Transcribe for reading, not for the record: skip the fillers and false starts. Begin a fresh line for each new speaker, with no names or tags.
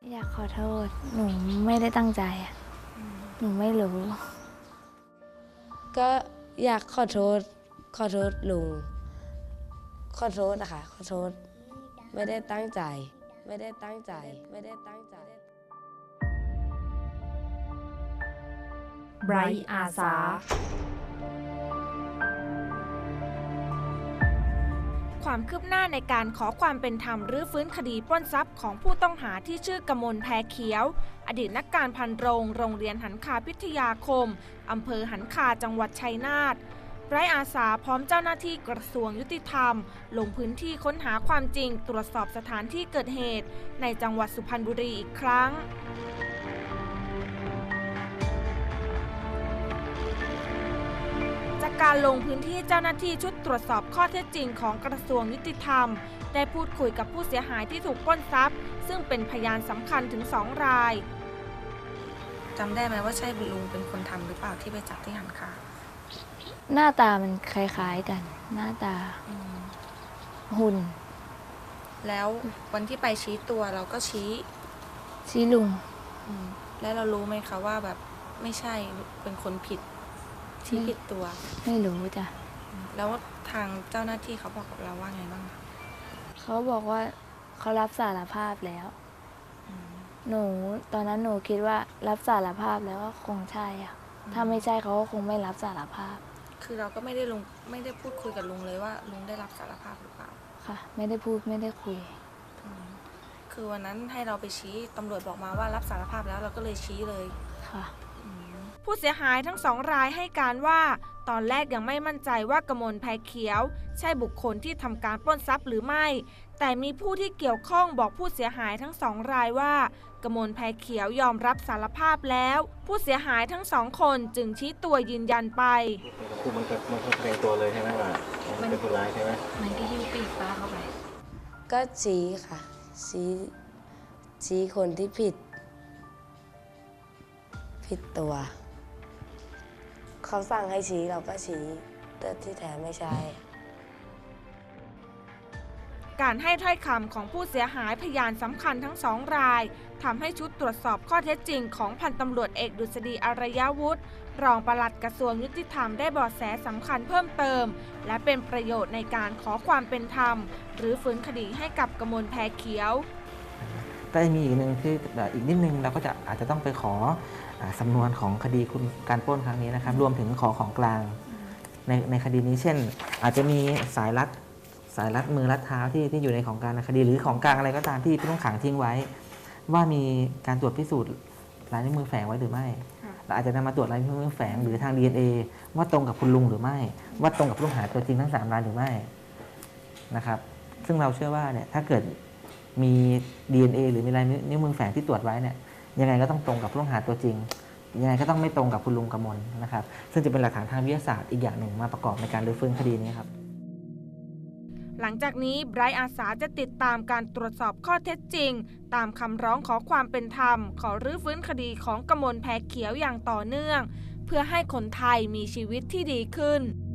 อยากขอโทษหนูไม่ได้ตั้งใจอะหนูไม่รู้
ก็อยากขอโทษลุงขอโทษนะคะขอโทษไม่ได้ตั้งใจไม่ได้ตั้งใจไม่ได้ตั้งใจ
ไบรท์อาสาความคืบหน้าในการขอความเป็นธรรมรื้อฟื้นคดีปล้นทรัพย์ของผู้ต้องหาที่ชื่อกมลแพรเขียวอดีตนักการพันโรงเรียนหันคาพิทยาคมอำเภอหันคาจังหวัดชัยนาทไบรท์อาสาพร้อมเจ้าหน้าที่กระทรวงยุติธรรมลงพื้นที่ค้นหาความจริงตรวจสอบสถานที่เกิดเหตุในจังหวัดสุพรรณบุรีอีกครั้งจากการลงพื้นที่เจ้าหน้าที่ชุดตรวจสอบข้อเท็จจริงของกระทรวงยุติธรรมได้พูดคุยกับผู้เสียหายที่ถูกปล้นทรัพย์ซึ่งเป็นพยานสำคัญถึง2 รายจำได้ไหมว่าใช่ลุงเป็นคนทำหรือเปล่าที่ไปจับที่หันคา
หน้าตามันคล้ายๆกัน หน้าตาหุ่น
แล้ววันที่ไปชี้ตัวเราก็
ชี้ลุง
แล้วเรารู้ไหมคะว่าแบบไม่ใช่เป็นคนผิดชี้ผิดตัว
ไม่รู้จ้ะ
แล้วทางเจ้าหน้าที่เขาบอกกับเราว่าไงบ้างคะ
เขาบอกว่าเขารับสารภาพแล้วตอนนั้นหนูคิดว่ารับสารภาพแล้วก็คงใช่อะถ้าไม่ใช่เขาก็คงไม่รับสารภาพ
คือเราก็ไม่ได้พูดคุยกับลุงเลยว่าลุงได้รับสารภาพหรือเปล่า
ค่ะ ไม่ได้พูดไม่ได้คุย
คือวันนั้นให้เราไปชี้ตำรวจบอกมาว่ารับสารภาพแล้วเราก็เลยชี้เลย
ค่ะ
ผู้เสียหายทั้ง2 รายให้การว่าตอนแรกยังไม่มั่นใจว่ากมลแพรเขียวใช่บุคคลที่ทำการปล้นทรัพย์หรือไม่ แต่มีผู้ที่เกี่ยวข้องบอกผู้เสียหายทั้ง2 รายว่ากมลแพรเขียวยอมรับสารภาพแล้ว ผู้เสียหายทั้ง2 คนจึงชี้ตัวยืนยันไป
คือมันแสดงตัวเลยใช่ไหมว่ามันเป็นคนร้ายใช่ไหม
มันก็หิ้วปีกป้าเข้าไป
ก็ชี้ค่ะชี้คนที่ผิดตัวเขาสั่งให้ชี้เราก็ชี้แต่ที่แท้ไม่ใช่
การให้ถ้อยคำของผู้เสียหายพยานสำคัญทั้ง2 รายทำให้ชุดตรวจสอบข้อเท็จจริงของพันตำรวจเอกดุษฎีอารยวุฒิรองปลัดกระทรวงยุติธรรมได้เบาะแสสำคัญเพิ่มเติมและเป็นประโยชน์ในการขอความเป็นธรรมหรือฟื้นคดีให้กับกมลแพรเขียว
ก็จะมีอีกหนึ่งคืออีกนิดนึงเราก็อาจจะต้องไปขอสำนวนของคดีการปล้นครั้งนี้นะครับรวมถึงขอของกลางในคดีนี้เช่น อาจจะมีสายรัดมือรัดเท้าที่อยู่ในของกลางในคดีหรือของกลางอะไรก็ตามที่ผู้ต้องขังทิ้งไว้ ว่ามีการตรวจพิสูจน์ลายนิ้วมือแฝงไว้หรือไม่เราอาจจะนำมาตรวจลายนิ้วมือแฝงหรือทาง DNA ว่าตรงกับคุณลุงหรือไม่ว่าตรงกับผู้ต้องหาตัวจริงทั้ง3 รายหรือไม่นะครับซึ่งเราเชื่อว่าเนี่ยถ้าเกิดมี DNA หรือมีลายนิ้วมือแฝงที่ตรวจไว้เนี่ยยังไงก็ต้องตรงกับผู้ต้องหาตัวจริงยังไงก็ต้องไม่ตรงกับคุณลุงกมลนะครับซึ่งจะเป็นหลักฐานทางวิทยาศาสตร์อีกอย่างหนึ่งมาประกอบในการรื้อฟื้นคดีนี้ครับ
หลังจากนี้ไบรท์อาสาจะติดตามการตรวจสอบข้อเท็จจริงตามคำร้องขอความเป็นธรรมขอรื้อฟื้นคดีของกมลแพรเขียวอย่างต่อเนื่องเพื่อให้คนไทยมีชีวิตที่ดีขึ้น